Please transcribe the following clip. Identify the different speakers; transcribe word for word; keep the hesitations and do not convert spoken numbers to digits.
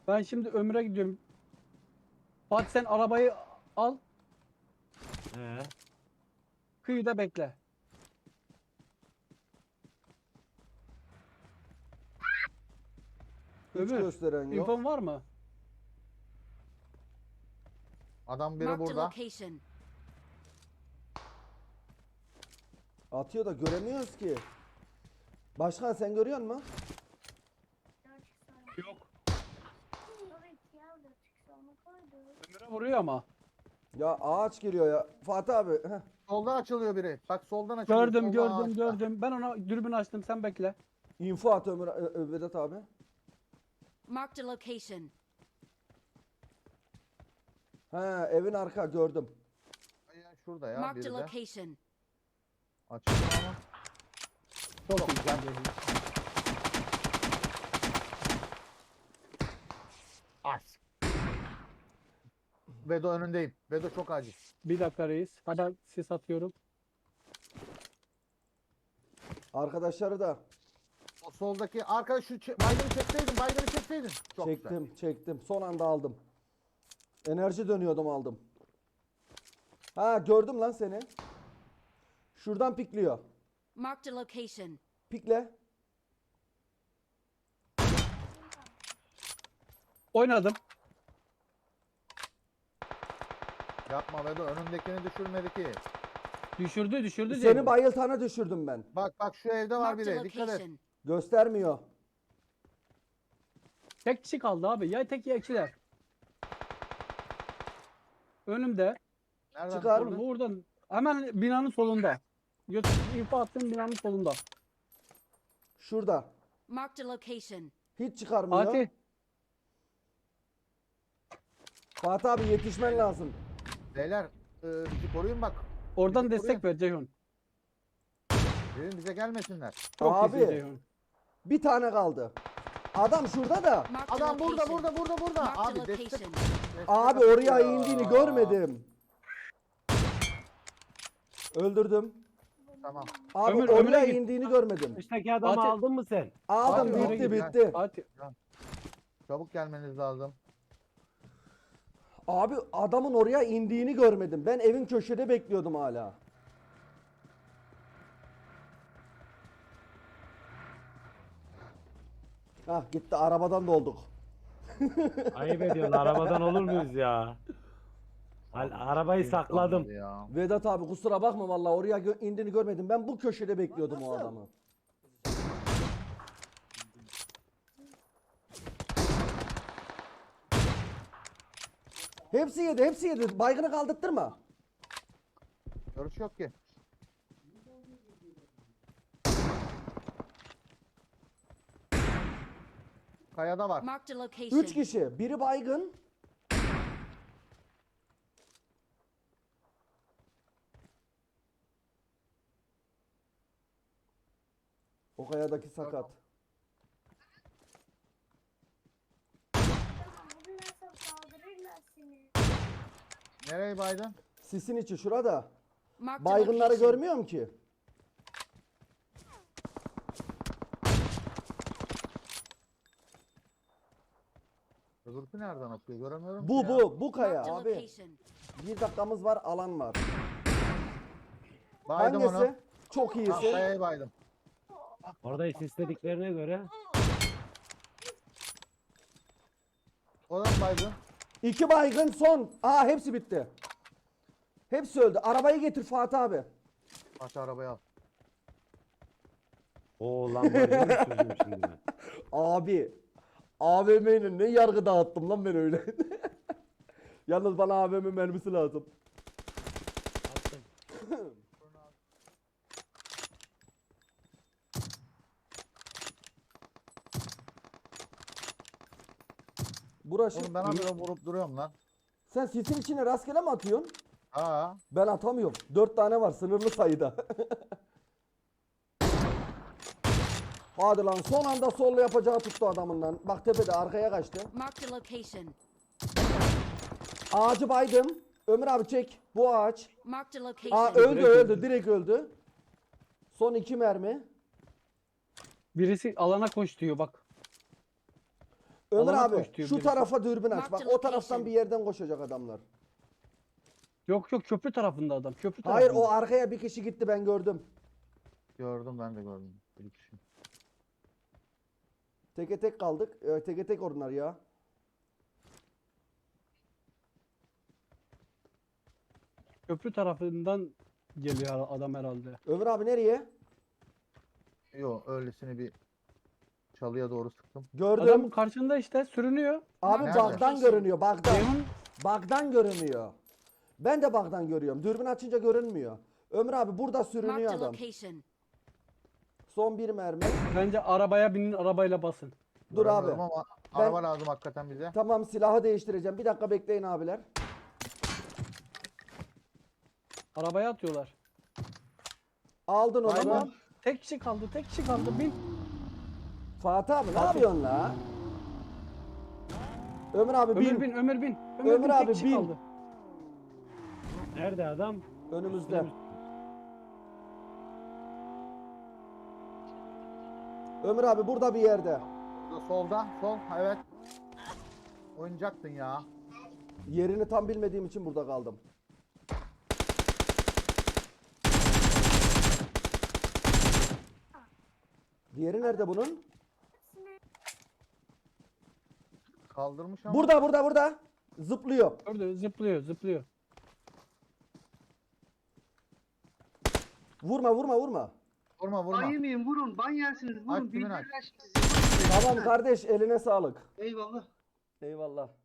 Speaker 1: Ben şimdi Ömür'e gidiyorum. Fatih sen arabayı al.
Speaker 2: He.
Speaker 1: Kıyıda bekle.
Speaker 3: Hiç
Speaker 1: Ömür.
Speaker 3: gösteren yok.
Speaker 1: İnfon var mı?
Speaker 4: Adam biri
Speaker 5: Marked a
Speaker 4: burada.
Speaker 5: location.
Speaker 3: Atıyor da göremiyoruz ki. Başkan sen görüyor musun?
Speaker 1: Yok. Ömür'e vuruyor ama.
Speaker 3: Ya ağaç geliyor ya. Fatih abi. Heh.
Speaker 4: Soldan açılıyor biri. Bak soldan açılıyor.
Speaker 1: Gördüm
Speaker 4: soldan
Speaker 1: gördüm
Speaker 4: ağaçta.
Speaker 1: gördüm. Ben ona dürbün açtım, sen bekle.
Speaker 3: Info at Ömür, Ö- Ö- Vedat abi.
Speaker 5: Marked a location.
Speaker 3: He evin arka gördüm.
Speaker 4: Ya şurada ya
Speaker 5: Marked
Speaker 4: biri
Speaker 5: a
Speaker 4: de.
Speaker 5: location.
Speaker 4: Açıldı ama.
Speaker 1: Çok güzel.
Speaker 4: As. Vedo önündeyim. Vedo çok acil.
Speaker 1: Bir dakika reis. Hadi sis atıyorum.
Speaker 3: Arkadaşları da
Speaker 4: O soldaki arkadaş şu çe- baygını çekseydin, baygını çekseydin. Çok
Speaker 3: çektim
Speaker 4: güzel.
Speaker 3: çektim. Son anda aldım. Enerji dönüyordum aldım. Ha gördüm lan seni. Şuradan pikliyor.
Speaker 5: Marked a location.
Speaker 3: Pikle.
Speaker 1: Oynadım.
Speaker 4: Yapma Vedo, önündekini düşürmedi ki.
Speaker 1: Düşürdü düşürdü.
Speaker 3: Seni
Speaker 1: diyelim.
Speaker 3: bayıltana düşürdüm ben.
Speaker 4: Bak bak şu evde var
Speaker 5: Marked a
Speaker 4: biri. Dikkat et.
Speaker 5: location.
Speaker 3: Göstermiyor.
Speaker 1: Tek kişi kaldı abi. Ya tek ya ikiler. Önümde.
Speaker 4: Nereden
Speaker 3: Çıkar.
Speaker 4: düşürdün?
Speaker 1: Oğlum oradan. Hemen binanın solunda. Götür, info attığım binanın solunda.
Speaker 3: Şurada.
Speaker 5: Marked a location.
Speaker 3: Hiç çıkarmıyor.
Speaker 1: Fatih.
Speaker 3: Fatih abi yetişmen lazım.
Speaker 4: Beyler e, bizi koruyun bak.
Speaker 1: Oradan
Speaker 4: Bizi
Speaker 1: destek ver Ceyhun.
Speaker 4: Dedim bize gelmesinler.
Speaker 1: Çok
Speaker 3: Abi.
Speaker 1: iyisin Ceyhun.
Speaker 3: Bir tane kaldı. Adam şurada da.
Speaker 5: Marked a
Speaker 4: Adam burada
Speaker 5: location.
Speaker 4: burada burada burada.
Speaker 5: Marked a
Speaker 4: Abi destek.
Speaker 5: location.
Speaker 4: destek
Speaker 3: Abi oraya
Speaker 4: atıyor.
Speaker 3: indiğini görmedim. Öldürdüm.
Speaker 4: Tamam.
Speaker 3: Abi
Speaker 1: Ömür,
Speaker 3: oraya
Speaker 1: Ömür'e git.
Speaker 3: indiğini görmedim.
Speaker 2: Üstteki adamı
Speaker 1: Fatih-
Speaker 2: aldın mı sen?
Speaker 3: Aldım
Speaker 4: Fatih,
Speaker 3: bitti
Speaker 4: Ömür'e git,
Speaker 3: bitti.
Speaker 1: Fatih.
Speaker 4: Çabuk gelmeniz lazım.
Speaker 3: Abi adamın oraya indiğini görmedim. Ben evin köşede bekliyordum hala. Hah gitti arabadan dolduk.
Speaker 2: Ayıp ediyorsun. Arabadan olur muyuz ya? Al, arabayı sakladım.
Speaker 4: Olmadı Ya.
Speaker 3: Vedat abi kusura bakma vallahi oraya gö- indiğini görmedim. Ben bu köşede bekliyordum o adamı. Hepsi yedi, hepsi yedi. Baygını kaldırttırma.
Speaker 4: Görüş yok ki. Kayada var.
Speaker 5: Marked a location.
Speaker 3: Üç kişi. Biri baygın. O kayadaki sakat.
Speaker 6: Bugün saldırırlar seni.
Speaker 4: Nereye baydın?
Speaker 3: Sisin içi şurada.
Speaker 5: Marked a
Speaker 3: Baygınları
Speaker 5: location.
Speaker 3: görmüyorum ki.
Speaker 4: Öbürkü nereden atıyor? Göremiyorum
Speaker 3: Bu
Speaker 4: ki ya.
Speaker 3: bu bu kaya
Speaker 5: Marked a
Speaker 3: abi.
Speaker 5: location.
Speaker 3: Bir dakikamız var, alan var.
Speaker 4: Baydım
Speaker 3: Hangisi?
Speaker 4: onu.
Speaker 3: Çok
Speaker 4: Ah,
Speaker 3: iyisin.
Speaker 4: kayayı baydım.
Speaker 2: Orada istediklerine göre
Speaker 4: O da mı baydın?
Speaker 3: İki baygın son. Aa hepsi bitti. Hepsi öldü. Arabayı getir Fatih abi.
Speaker 4: Aç arabayı al.
Speaker 2: o lambayı mı sürdüm şimdi ben?
Speaker 3: Abi. A V M'nin ne yargı dağıttım lan ben öyle. Yalnız bana A V M mermisi lazım.
Speaker 2: Attım.
Speaker 3: Burası.
Speaker 4: Oğlum ben habire vurup duruyorum lan.
Speaker 3: Sen sisin içine rastgele mi atıyorsun?
Speaker 4: Ha.
Speaker 3: Ben atamıyorum. Dört tane var sınırlı sayıda. Hadi lan son anda solla yapacağı tuttu adamın lan. Bak tepede arkaya kaçtı.
Speaker 5: Marked a location.
Speaker 3: Ağacı baydım. Ömür abi çek. Bu ağaç.
Speaker 5: Marked a
Speaker 3: Aa
Speaker 5: location.
Speaker 3: öldü
Speaker 1: Direkt
Speaker 3: öldü.
Speaker 1: öldü.
Speaker 3: Direkt öldü. Son iki mermi.
Speaker 1: Birisi alana koş diyor bak.
Speaker 3: Ömer
Speaker 1: Alana
Speaker 3: abi
Speaker 1: koşturuyor
Speaker 3: şu
Speaker 1: birisi.
Speaker 3: tarafa dürbün aç.
Speaker 5: Mark
Speaker 3: Bak
Speaker 5: the
Speaker 3: o taraftan
Speaker 5: location.
Speaker 3: bir yerden koşacak adamlar.
Speaker 1: Yok yok köprü tarafında adam. Köprü
Speaker 3: Hayır
Speaker 1: tarafında.
Speaker 3: o arkaya bir kişi gitti ben gördüm.
Speaker 4: Gördüm ben de gördüm. Bir kişi.
Speaker 3: Teke tek kaldık. Ee, teke tek onlar ya.
Speaker 1: Köprü tarafından geliyor adam herhalde.
Speaker 3: Ömer abi nereye?
Speaker 4: Yo öylesine bir çalıya doğru sıktım.
Speaker 3: Gördüm.
Speaker 1: Adam karşında işte sürünüyor.
Speaker 3: Abi
Speaker 4: Nerede?
Speaker 3: bug'dan görünüyor bug'dan.
Speaker 1: Ceyhun
Speaker 3: Bug'dan görünüyor. Ben de bug'dan görüyorum. Dürbün açınca görünmüyor. Ömer abi burada
Speaker 5: Marked
Speaker 3: sürünüyor
Speaker 5: a
Speaker 3: adam.
Speaker 5: location.
Speaker 3: Son bir mermi.
Speaker 1: bence arabaya binin arabayla basın.
Speaker 3: Dur abi.
Speaker 4: Göremiyorum Ama
Speaker 3: Ben-
Speaker 4: araba lazım hakikaten bize.
Speaker 3: Tamam silahı değiştireceğim. Bir dakika bekleyin abiler.
Speaker 1: Arabaya atıyorlar.
Speaker 3: Aldın onu.
Speaker 4: Aynen.
Speaker 3: mu?
Speaker 1: Tek kişi kaldı tek kişi kaldı. Bin.
Speaker 3: Fatih abi ne yapıyorsun la? Ömer abi
Speaker 1: Ömür
Speaker 3: bin.
Speaker 1: bin Ömür bin. Ömür,
Speaker 3: Ömür
Speaker 1: bin
Speaker 3: abi,
Speaker 1: tek kişi
Speaker 3: bin.
Speaker 1: kaldı.
Speaker 2: Nerede adam?
Speaker 3: Önümüzde. Ömür abi burada bir yerde.
Speaker 4: Burada solda. Sol. Evet. Oynayacaktın ya.
Speaker 3: Yerini tam bilmediğim için burada kaldım. Diğeri nerede bunun?
Speaker 4: Kaldırmış ama.
Speaker 3: Burada burada burada. Zıplıyor.
Speaker 1: Gördü zıplıyor zıplıyor.
Speaker 3: Vurma vurma vurma.
Speaker 4: Vurma vurma.
Speaker 7: Ban yemeyin vurun. Ban yersiniz.
Speaker 4: Aç,
Speaker 7: Vurun.
Speaker 4: kimin aç?
Speaker 7: Bildirirler sizi.
Speaker 3: Tamam kardeş eline sağlık.
Speaker 7: Eyvallah.
Speaker 3: Eyvallah.